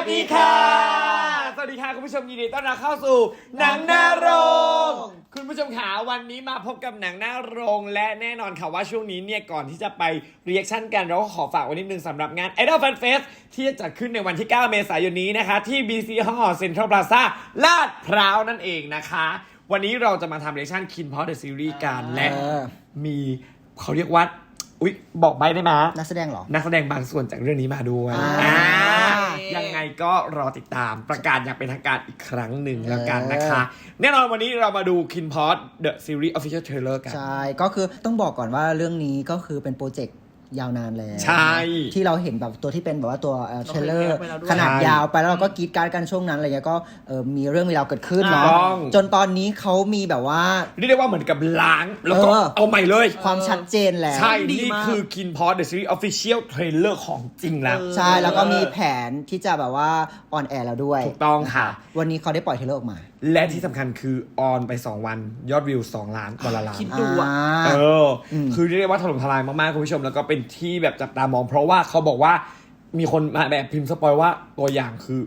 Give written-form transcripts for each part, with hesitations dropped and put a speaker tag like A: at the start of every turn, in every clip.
A: ดีค่ะสวัสดีค่ะคุณผู้ชมยินดีต้อนรับเข้าสู่หนังหน้าโรงคุณผู้ชมขาวันนี้มาพบกับหนังหน้าโรงและแน่นอนค่ะว่าช่วงนี้เนี่ยก่อนที่จะไปรีแอคชั่นกันเราก็ขอฝากไว้นิดนึงสำหรับงาน Idol Fan Fest ที่จะจัดขึ้นในวันที่ 9 เมษายนนี้นะคะที่ BC Hall Central Plaza ลาดพร้าวนั่นเองนะคะวันนี้เราจะมาทำรีแอคชั่น KIN-POP The Series กันและมีเขาเรียกว่าอุ๊ยบอกใบได้ไหม
B: นักแสดงเหรอ
A: นักแสดงบางส่วนจากเรื่องนี้มาด้วยยังไงก็รอติดตามประกาศอย่างเป็นทางการอีกครั้งหนึ่งแล้วกันนะคะแน่นอนวันนี้เรามาดู KIN-POP The Series Official Trailer กัน
B: ใช่ก็คือต้องบอกก่อนว่าเรื่องนี้ก็คือเป็นโปรเจกต์ยาวนานแล้ว
A: ใช่
B: ที่เราเห็นแบบตัวที่เป็นแบบว่าตัวเทรลเลอร์ขนาดยาวไปแล้วเราก็กรีดการ์ดกันช่วงนั้นอะไรเงี้ยก็มีเรื่องมีราวเกิดขึ้นเนาะจนตอนนี้เขามีแบบว่า
A: เรียกได้ว่าเหมือนกับล้างแล้วก็เอาใหม่เลย
B: ความชัดเจนแล้ว
A: ใช่นี่คือ KIN-POP The Series Official Trailer ของจริงแล้ว
B: ใช่แล้วก็มีแผนที่จะแบบว่าออนแอร์แล้วด้วย
A: ถูกต้องค่ะ
B: วันนี้เขาได้ปล่อยเทรลเลอร์ออกมา
A: และที่สำคัญคือออนไป2วันยอดวิว2 ล้านวันละล้าน
C: คิดดูอ่ะ
A: คือเรียกว่าถล่มทลายมากๆคุณผู้ชมแล้วก็เป็นที่แบบจับตามองเพราะว่าเขาบอกว่ามีคนมาแบบพิมพ์สปอยว่าตัวอย่างคือ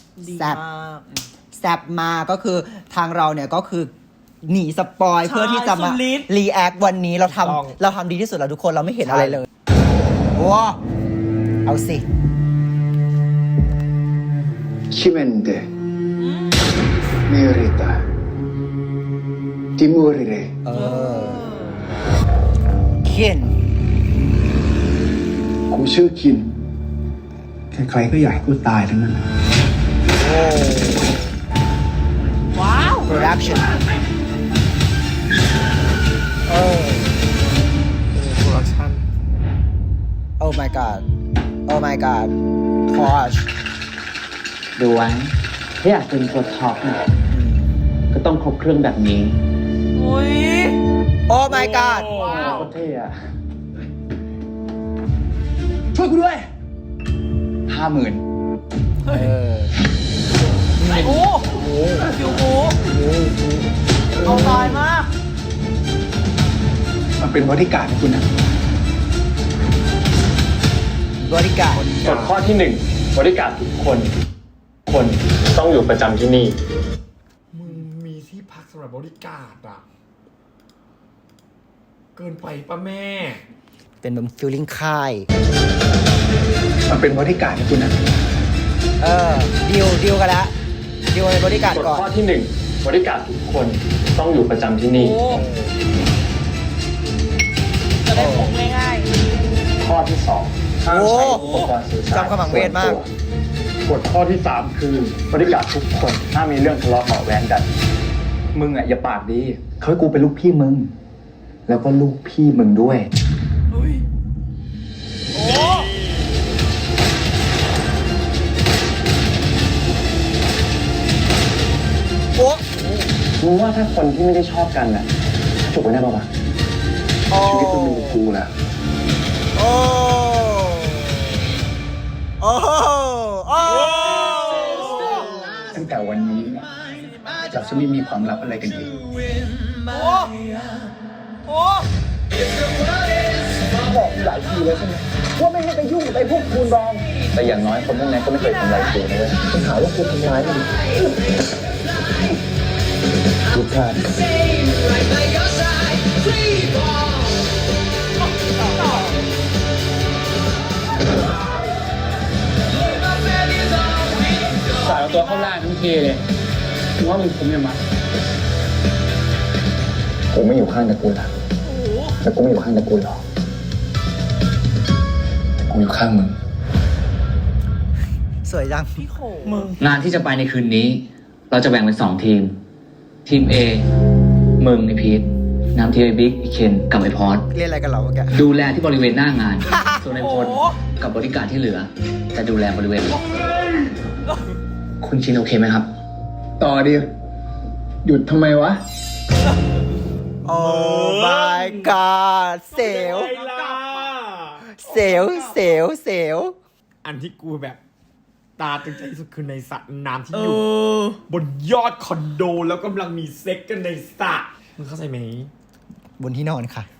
B: แซบมาก็คือทางเราเนี่ยก็คือหนีสปอยเพื่อที่จะมารีแอควันนี้เราทำดีที่สุดแล้วทุกคนเราไม่เห็นอะไรเลยว้าเอาสิ
D: ชิเมนเดเมริตาติมูริเร
B: คิน
D: กูชื่อคินใครๆก็อยากให้กูตายทั้งนั้น
C: ว้าว
B: production
A: production
B: oh my god oh my god gosh
E: ดูไว้ถ้าอยากเป็นตัวท็อปเนี่ยก็ต้องครบเครื่องแบบนี้
C: โอ้ย
B: oh my god
E: โคตรเท่อะ
D: ช่วยกูด้วย
E: 50,000
C: โอ้โหคิวบูเอาตายมาก
D: มันเป็นบริการให้คุณนะ
B: บริการ
E: กฎข้อที่1บริการทุกคนต้องอยู่ประจำที่นี่
A: มึงมีที่พักสำหรับบริการอ่ะเกินไปป่ะแม่
B: เป็นแบบฟีลลิ่งค่าย
D: มันเป็นบริการให้คุณนะ
B: ดีลกันแล้วดีลในบริการก่อน
E: กฎข้อที่1บริการทุกคนต้องอยู่ประจำที่นี่
C: จะได้ผงง่าย
E: ข้อที่2ห้ามใช้อุปกรณ์สื่อสาร
B: จำขมังเวทมาก
E: กฎข้อที่3คือบริการทุกคนถ้ามีเรื่องทะเลาะเบาะแว้งกันมึงอ่ะอย่าปากดีเขาให้กูเป็นลูกพี่มึงแล้วก็ลูกพี่มึงด้วย
C: อุ้ยโอ้
E: รู้ว่าถ้าคนที่ไม่ได้ชอบกันน่ะจบกันได้ป่าวะ
D: ชีวิตมึงมีกูแล้วตั้งแต่วันนี้เราจะไม่มีความลับอะไรกันอีกบอกหลายทีแล้วใช่ไหมว่าไม่ให้ไปยุ่งกับไอ้พวกคูณรอง
E: แต่อย่างน้อยคนพวกนั้นก็ไม่เคยทำร้ายกูนะเว้ย
D: คุณหาว่าคุณทำร้ายมันทุกท่าน
E: สายเอาตัวเข้าล่างทั้งทีเลยมึงว่ามึงคุ้มยังมั้ยกูไม่อยู่ข้างตระกูลหรอกแต่กูไม่อยู่ข้างตระกูลหรอกกูอยู่ข้างมึง
B: สวยจัง
C: มึง
E: งานที่จะไปในคืนนี้เราจะแบ่งเป็น2ทีมทีม A มึงไอพีทนำทีมไอบิ๊กไอเคนกับไอพอด
B: เล่นอะไรกันเหรอแก
E: ดูแลที่บริเวณหน้างานส่วนไอพลกับบริการที่เหลือจะดูแลบริเวณคุณชินโอเคไหมครับ
D: ต่อดิหยุดทำไมวะ
B: โอ้ my god เสียว
A: อันที่กูแบบตาตึงใจที่สุดคือในสระน้ำที่อยู่บนยอดคอนโดแล้วกำลังมีเซ็กกันในสระมึงเข้าใจไหม
B: บนที่นอนค่ะ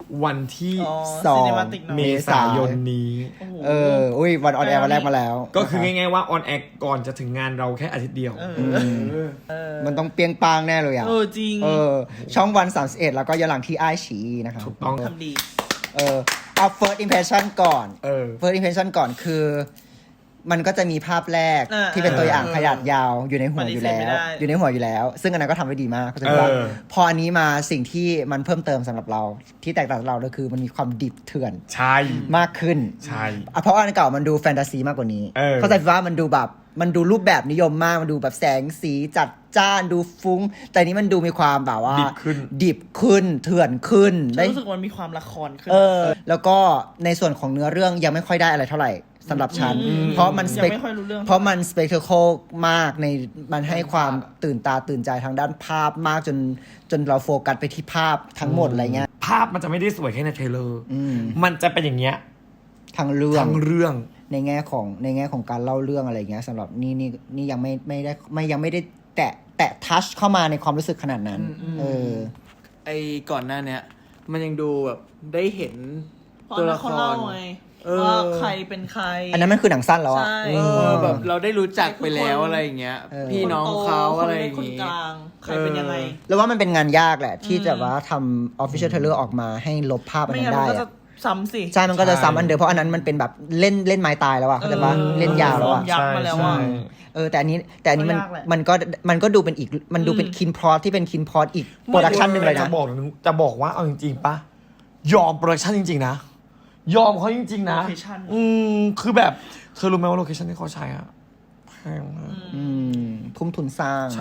A: วันที่
B: สอง
C: ซีนิมาติกเนอะ
A: เมษายนนี้
C: โอ้โห
B: อุ้ยวันออนแอร์วันแรกมาแล้ว
A: ก็คือง่ายๆว่าออนแอร์ก่อนจะถึงงานเราแค่อาทิตย์เดียว
B: มันต้องเปรียงปางแน่เลยอ่ะ
C: จริง
B: ช่องวัน31แล้วก็ย้อนหลังที่ไอฉีนะครับ
A: ถูกต้อง
C: ทำดี
B: เอา first impression ก่อน
A: first
B: first impression ก่อนคือ มันก็จะมีภาพแรกที่เป็นตัวอย่างขนาดยาวอยู่ในหัวอยู่แล้ว อยู่ในหัวอยู่แล้ว ซึ่งอันนั้นก็ทำไว้ดีมากก็จะว่าพออันนี้มาสิ่งที่มันเพิ่มเติมสำหรับเราที่แตกต่างจากเราก็คือมันมีความดิบเถื่อน
A: ใช่
B: มากขึ้น
A: ใช่
B: เพราะอันเก่ามันดูแฟนตาซีมากกว่านี้เข้าใจว่ามันดูแบบมันดูรูปแบบนิยมมากมันดูแบบแสงสีจัดจ้านดูฟุ้ง แต่นี้มันดูมีความแบบว่าดิบขึ้นเถื่อนขึ้น
C: ฉันรู้สึกมันมีความละครขึ้น
B: แล้วก็ในส่วนของเนื้อเรื่องยังไม่ค่อยได้อะไรเท่าไหร่สำหรับฉันเพราะมัน
C: ยังไม่ค่อยรู้เรื่อง
B: เพราะมันสเปกเทอร์โคมากในมันให้ความตื่นตาตื่นใจทางด้านภาพมากจนเราโฟกัสไปที่ภาพทั้งหมดอะไรเงี้ย
A: ภาพมันจะไม่ได้สวยแค่ในเทรลเลอร์มันจะเป็นอย่างเงี้ย
B: ทั้งเรื่อง ในแง่ของการเล่าเรื่องอะไรเงี้ยสำหรับนี่ยังไม่ได้แตะทัชเข้ามาในความรู้สึกขนาดนั้น
F: ไอ้ก่อนหน้าเนี้ยมันยังดูแบบได้เห็น
C: เพราะ
F: ตัว
C: นั
F: ละ
C: ก
F: ค
C: เขา
F: ร
C: เล่าไงว่าใครเป็นใคร
B: อันนั้นมันคือหนังสั้นแล้วอะ
C: ใช่
F: แบบเราได้รู้จักไปแล้วอะไรอย่างเงี้ย พี่น้องเขาอะไรอย่าง
C: คน
F: งี้
C: กลางใครเป็นยังไง
B: แล้วว่ามันเป็นงานยากแหละ ที่จะว่าทำ official trailer ออกมาให้ลบภาพอัน
C: ไม่
B: นั้
C: งั้น
B: น
C: มั
B: ได้
C: นก็จะ
B: อะ
C: ซ้ำสิ
B: ใช่มันก็จะซ้ำอันเดิมเพราะอันนั้นมันเป็นแบบเล่นไม้ตายแล้วอะเข้าใจปะเล่นยาวแล้วอะ
C: ยักษ์มาแล้วอ่ะ
B: แต่อันนี้มัน
C: ก็ยากแหละ
B: มันก็ดูเป็นอีกมันดูเป็นคินพอตที่เป็นคินพอตอีกโปรดักชันหนึ่งเลยนะ
A: จะบอกว่าเอาจริงๆปะยอมโปรดักชันจริงๆนะยอมเขาจริงๆนะ
C: location
A: คือแบบเธอรู้ไหมว่าโลเคชั่นที่เขาใช้อะแพงมาก
B: ทุ่มทุนสร้างเนอะ
A: ใช่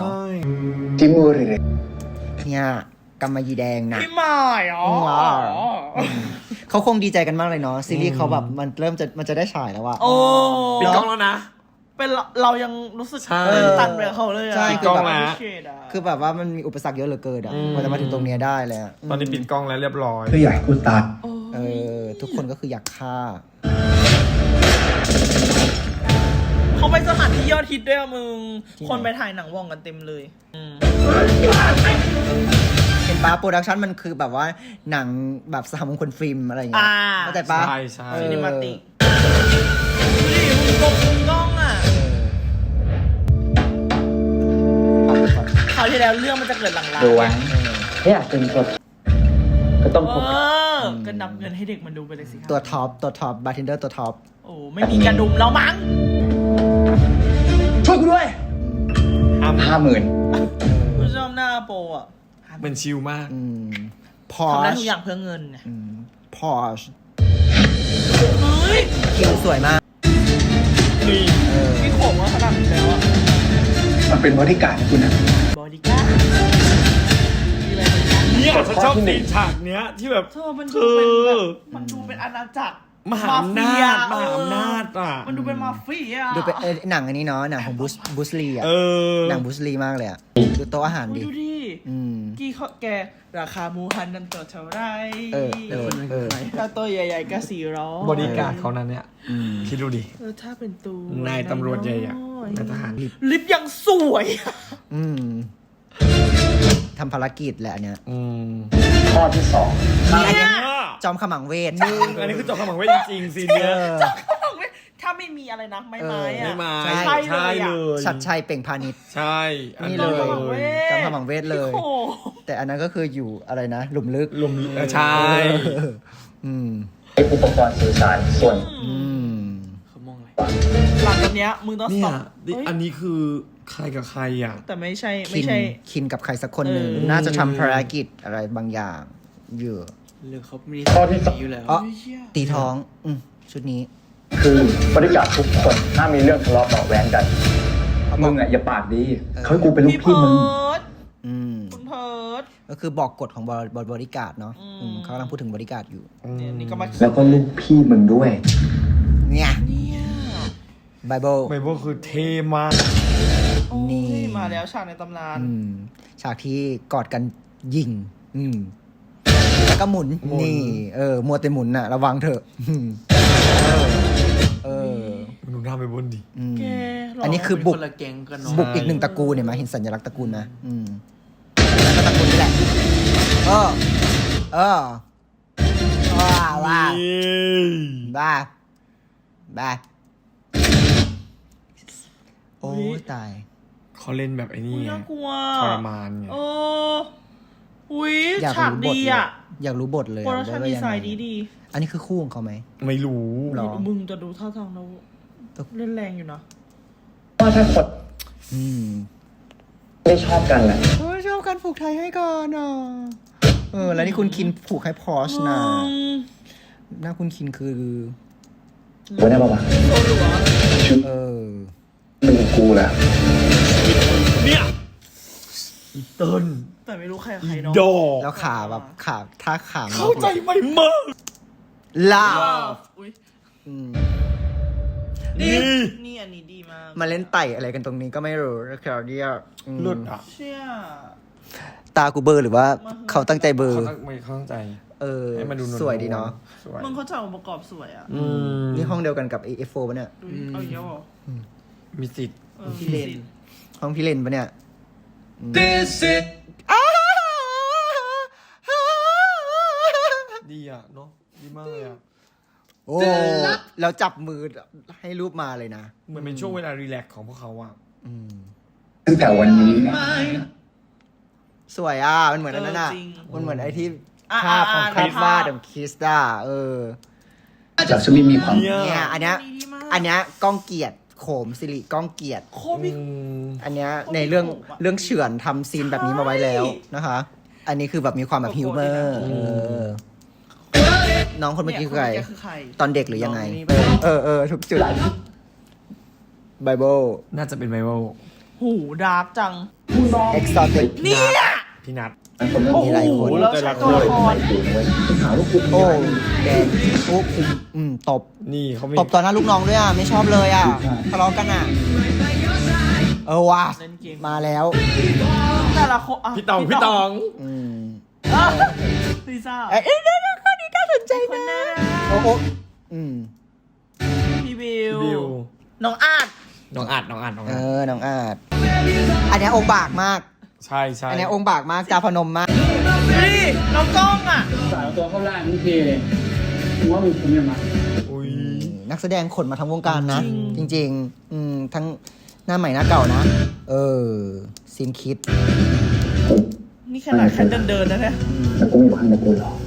D: Ti morirei.
B: เนี่ยกำมะหยี่แดงนะ
C: พี่หมายอ๋อ
B: เขาคงดีใจกันมากเลยเนาะซีรีส์เขาแบบมันจะได้ฉายแล้วอะ
C: โอ้
A: ปิดกล้องแล้วนะ
C: เป็นเรายังรู้สึก
A: ใช่
C: ตื่นตันไปกับเขาเลยอะ
B: ใช่
A: ปิดกล้องแล้ว
B: คือแบบว่ามันมีอุปสรรคเยอะเหลือเกินอะกว่าจะมาถึงตรงเนี้ยได้เลยอะ
A: ตอนนี้ปิดกล้องแล้วเรียบร้อย
D: Tuอยากให้กูตาย
B: ทุกคนก็คืออยากฆ่า
C: เขาไปสถานที่ยอดฮิตด้วยอะมึง คนไปถ่ายหนังว่องกันเต็มเลย
B: เห็นปะโปรดักชันมันคือแบบว่าหนังแบบสหมงคลฟิล์มอะไรอย่างเงี้ยเข้าใจปะ
A: ใช่ใช่
C: ซินิมาติกดูดิมึงกล้องอ่ะคราวที่แล้วเรื่องมันจะเกิดหลังๆ
E: ดูไว้ถ้าอยากเป็นสดก็ต้องพบ
C: ก็นับเงินให้เด็กมันดูไปเลยสิครับ
B: ตัวท็อปบาร์เทนเดอร์ตัวท็อป
C: โอ้ไม่มีกระดุมแล้วมั้ง
E: ช่วยกูด้วย 50,000
C: ผู้ชมหน้าโปรอ่ะ
A: เป็นชิลมาก
B: พอ
C: ทำได้
B: ช
C: ทุกอย่างเพื่อเงินไง
B: พอช
C: เฮ้ย
B: คิวสวยมาก
A: นี่
C: พี่โขงว่าขนาดนี้แล้วอ่ะ
D: มันเป็นบริการดให้กูนะ
C: บอดี้การ์ดมีอะไรบ้าง
A: เนี่ยฉันชอบซีนฉากเนี้ยที่แบบ
C: เธอมันดูเป็นแบบมันดูเป็นอาณาจักร
A: มหาอำนาจมหาอำนาจอ่ะ
C: มันดูเป็นมาเฟีย
B: ดูเป็นหนังอันนี้เนาะหนังของบุสลีอะ หนังบุสลีมากเลยอะดูโต๊ะอาหารดิ
C: ดูดิ
B: ม
C: กี่เขาแกราคาหมูหันนั่นตัวเท่าไร
B: เ
C: ถ้าตัวใหญ่ๆก็400
A: บริการดเขานั้นเนี่ยคิดดูดิ
C: ถ้าเป็นตัวน
A: ายตำรวจใหญ่อะนายทหาร
C: ลิฟต์ยังสวยอะ
B: ทำภารกิจแหละอันเนี้ย
E: ข้อที่
B: อันเนี้ยจอมขมังเวท
A: อันนี้คือจบคำหวังไว้จริงๆซีนเนี้ย
C: ถ้าไม่มีอะไรนะไม้อะ
A: ไม่มา
C: ใช่เลยอะ
B: ชัดชัยเปล่งพาณิชย์
A: ใช่อั
B: นี่เลย
C: จอมขมังเวท
B: จอมขมังเวทเลย
C: โอ้โห
B: แต่อันนั้นก็คืออยู่อะไรนะ หลุมลึก
A: ลมใช่
E: 2 ไออุปกรณ์สื่อสารส่วน
F: เขามองอะไร
C: หลังจากเนี้ยมึงต้อง
A: เนี่
C: ส
A: ย
C: อบ
A: อันนี้คือใครกับใครอ่ะ
C: แต่ไม่ใช่
B: คินกับใครสักคนหนึ่ง
C: เออ
B: น่าจะทำภารกิจอะไรบางอย่างอยู่
F: เรื่องเขามี
E: ข้อที่สอง
F: อยู่แล้ว
B: อ๋อตีท้องชุดนี้
E: คือบริการดทุกคนถ้ามีเรื่องทะเลาะเบาะแว้งกัน มึงอ่ะอย่าปากดีเขาให้กูเป็นลูก
C: พี่
E: พี่
C: เพิ
E: มึง
C: ร์ด
B: อืม
C: คุณเพิร์ด
B: ก็คือบอกกฎของบริการดเนาะเขากำลังพูดถึงบริการดอยู่
C: เนี่ยนี่ก็มา
E: แล้วก็ลูกพี่มึงด้วย
B: เนี่ย
C: เนี่ย
B: ไบเบิล
A: ไบเบิลคือเท่มาก
C: โอ้ย
B: นี่
C: มาแล้วฉากในตำนาน
B: ฉากที่กอดกันยิงแล้วก็หมุนนี่มัวแต่หมุนน่ะ ระวังเถอะ
A: ดูหน้าไบเบิลดิ
C: แกหร
B: อันนี้คือบุก
F: คนละแก๊งกันเนาะ
B: บุกอีกหนึ่งตระกูลเนี่ยมาเห็นสัญลักษณ์ตระกูลนะแล้วก็ตระกูลนี่แหละบ้า
A: นี่
B: บ้าบ้าโอ้ตาย
A: เขาเล่นแบบไอ้นี่
C: อุ๊ย
A: ไง
C: น่ากลัว
A: ทรมานไง
C: โอ้อุ้ย
B: อยาก
C: ฉาก
B: รู้บท
C: ดี
B: เลย
C: อ่ะ
B: อยากรู้บทเลย
C: โปรดักชั่น
B: ว่า
C: ดี
B: ยัง
C: ไซ
B: ไง
C: น์ดี
B: อันนี้คือคู่ของเขาไหม
A: ไม่รู้
B: หรอ
C: มึงจะดูท่าทางแล้วเล่นแรงอยู่นะ
E: ว่าถ้าคน
B: อืม
E: ไม่ชอบกันแหละ
B: โอ้ยชอบการผูกไทยให้ก่อนอ่ะแล้วนี่คุณคินผูกให้พอชนะหน้าคุณคินคือ
E: วันนี้ป่าวะ
B: เออ
E: มึงกับกูแหละ
A: เนี่ยอีเติ้ล
C: แต่ไม่รู้ใครกับใครเนาะ
A: ดอก
B: แล้วขาแบบขาท่าขา
A: เข้าใจไหมมาก
B: ลา
C: อุ้ย
B: อืม
C: นี่อันนี้ดีมาก
B: มาเล่นไต่อะไรกันตรงนี้ก็ไม่รู้นะครับเนี่ยอืม
A: หลุดอ่ะ
C: เชี่ย
B: ตากูเบลอร์หรือว่าเขาตั้งใจเบลอ
A: เขา
B: ร์
A: ตั้งไม่เข้าใจ ให้มันดูนวลๆ
B: สวยดีเนาะ
A: สวย
C: มึงเขาจัดองค์ประกอบสวยอ่ะ
B: นี่ห้องเดียวกันกับ AF4 ปะเนี่ย
C: ดูดิเอาอีกแล้วเหรอ
A: มีสิทธิ์
C: พี่เลน
B: ห้องพี่เลนปะเนี่ย
A: ดีอ่ะเนาะดีมากเลยอ่ะ
B: โอ้แล้วจับมือให้รูปมาเลยนะ
A: เหมือนเป็นช่วงเวลารีแลกซ์ของพวกเขาอ่ะ
E: ตั้งแต่วันนี้
B: สวยอ่ะ มันเหมือนอันนั้นอ่ะ มันเหมือนไอ้ที่
C: อ่ะ
B: ภาพของ
C: อ่ะ
B: คริสวาด
C: ภาพ
B: ของคิสด้า
E: จากจะไม่มีความ
B: เนี่ยอันเนี้ย
C: ดีมาก
B: อันเนี้ยก้องเกียรติโขมสิริก้องเกียรติ
C: โคตรมี
B: อันเนี้ย
C: โคตร
B: ในเรื่อง
C: โหดอะ
B: เรื่องเฉือนทำซีนแบบนี้มาไว้แล้วนะคะ อันนี้คือแบบมีความแบบฮิวเมอร์ น้องคนเมื่อกี้คือใคร
C: เนี่ยนเมื่อคือใคร
B: ตอนเด็กหรือยังไง
C: น้องนี่
B: ทุกจุดไบเบิล
A: น่าจะเป็นไบเบิล
C: หูดาร์กจัง
B: เอ็กซ์ตติก
C: เนี่ย
A: พี่นัท
E: คนเรื่อง
C: โอ้
E: นี้
C: โห
B: หลายคน
C: แล้ว
A: แต่
C: ใช้
A: ละ
C: ตัวละคร
E: หาว่ากู
B: โอ้แดงปุ๊บตบ
A: นี่เขามี
B: ตบต่อหน้าลูกน้องด้วยอ่ะ ไม่ชอบเลยอ่ะทะเลาะกันอ่ะ ว่ะ
C: เล่นเกม
B: มาแล้ว
C: แต่ละคนะ
A: พี่ตอง
B: อืม
C: อ่ะลิซ่า
B: เอ้ยข้อนี้น่าสนใจ
C: คน
B: นะ
C: น่ารัก
B: โอ้อืม
C: พี่บิว
A: บิว
C: น้องอาร์ต
A: น้องอัด
B: น้องอาจอันเนี้ยองค์บากมาก
A: ใช่ใช่
B: อันเนี้ยองค์บากมากจาพนมมาก
C: นี่น้องกล้องอ่ะ
E: สาวตัวเข้าล่างนี่เทเลยกูว่ามึงคุ้มยังไง
A: อุ้ย
B: นักแสดงขนมาทั้งวงการนะ จริงทั้งหน้าใหม่หน้าเก่านะ ซีนคิด
C: นี่ขนาดแค่เดินนะเนี่ย
E: แต่กูอยู่ข้างในกูหรอ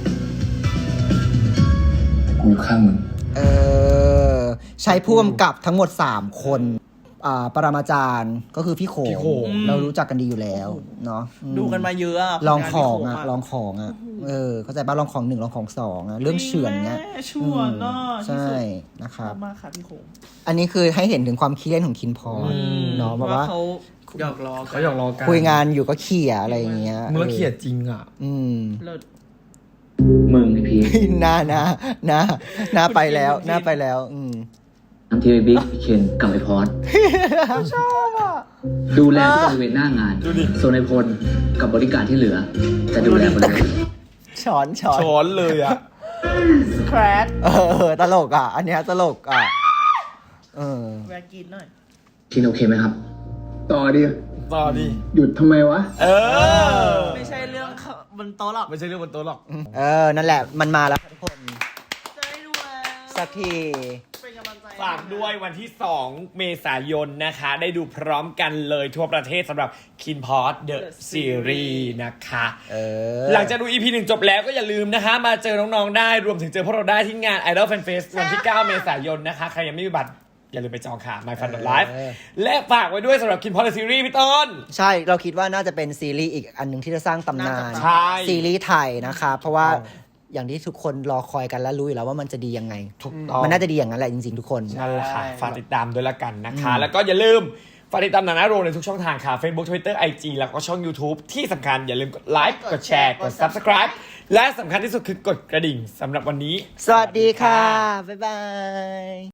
E: แต่กูอยู่ข้างมึง
B: ใช้ผู้กำกับทั้งหมด 3 คนปรมาจารย์ก็คือพี่โข
A: พี่โขง
B: เรารู้จักกันดีอยู่แล้วเนาะ
C: ดูกันมาเยอะอะ
B: ลองของอ่ะ
C: ผลานพี่โข
B: ลองของอ่ะ เข้าใจป่ะลองของ1ลองของ2อ่ะ เรื่องเฉือนเนี้ย
C: แม่ชวนเนาะ
B: ใช่
C: ที่
B: นะค
C: สุ
B: รั
C: ด
B: บ
C: มากค่ะพี่โขง
B: อันนี้คือให้เห็นถึงความขี้เล่นของคินพอร์เนาะแบบว่า
C: เขาหยอกล้อ
A: เขาอยากรอกัน
B: คุยงานอยู่ก็เขี่ยอะไรอย่างเงี้ย
A: มึงแล้วเขียดจริงอ่ะ
C: เลิศ
E: มึงไอพี่
B: หน้าไปแล้วหน้าไปแล้ว
G: ทั้งทีบิ๊กเคนกับไอพอด
C: ชอบอ่ะ
G: ดูแลทุกบริเวณหน้างาน
A: ดูดิ
G: ส่วนไอพลกับบริการที่เหลือ จะดูแลหมดเลย
B: ช้อน
A: ช้อนเลยอ่ะ
C: แครด
B: ตลกอ่ะ อันเนี้ยตลกอ่ะ
C: แวะกินหน่อย
G: คินโอเคไหมครับ
E: ต่อดิ
A: ต่อดิ
E: หยุดทำไมวะ
C: ไม่ใช่เรื่องบนโต๊ะหรอก
A: ไม่ใช่เรื่องบนโต๊ะหรอก
B: นั่นแหละมันมาแล้วทุกคน
C: จะได้ดูแล้ว
B: สักที
C: เป็นกำลังใจ
A: ฝากด้วยวันที่ 2 เมษายนนะคะ ได้ดูพร้อมกันเลยทั่วประเทศสำหรับ Kin Pod The Series นะคะ หลังจากดู EP 1 จบแล้วก็อย่าลืมนะคะ มาเจอน้องๆได้รวมถึงเจอพวกเราได้ที่งาน Idol Fan Fest วันที่ 9 เมษายนนะคะ ใครยังไม่มีบัตร อย่าลืมไปจองค่ะ My Fun Live และฝากไว้ด้วยสำหรับ Kin Pod The Series พี่ต้น
B: ใช่เราคิดว่าน่าจะเป็นซีรีส์อีกอันหนึ่งที่จะสร้างตำนาน
A: ใช่
B: ซีรีส์ไทยนะคะ เพราะว่าอย่างที่ทุกคนรอคอยกันและรู้อยู่แล้วว่ามันจะดียังไง
A: ถูกต้อง
B: มันน่าจะดีอย่างนั้นแหละจริงๆทุกคน
A: นั่นแหละค่ะ ฝากติดตามด้วยละกันนะคะ แล้วก็อย่าลืมฝากติดตามหนังหน้าโรงในทุกช่องทางค่ะ Facebook Twitter IG แล้วก็ช่อง YouTube ที่สำคัญอย่าลืมกดไลค์กดแชร์กด Subscribe และสำคัญที่สุดคือกดกระดิ่งสำหรับวันนี้
B: สวัสดีค่ะ บ๊ายบาย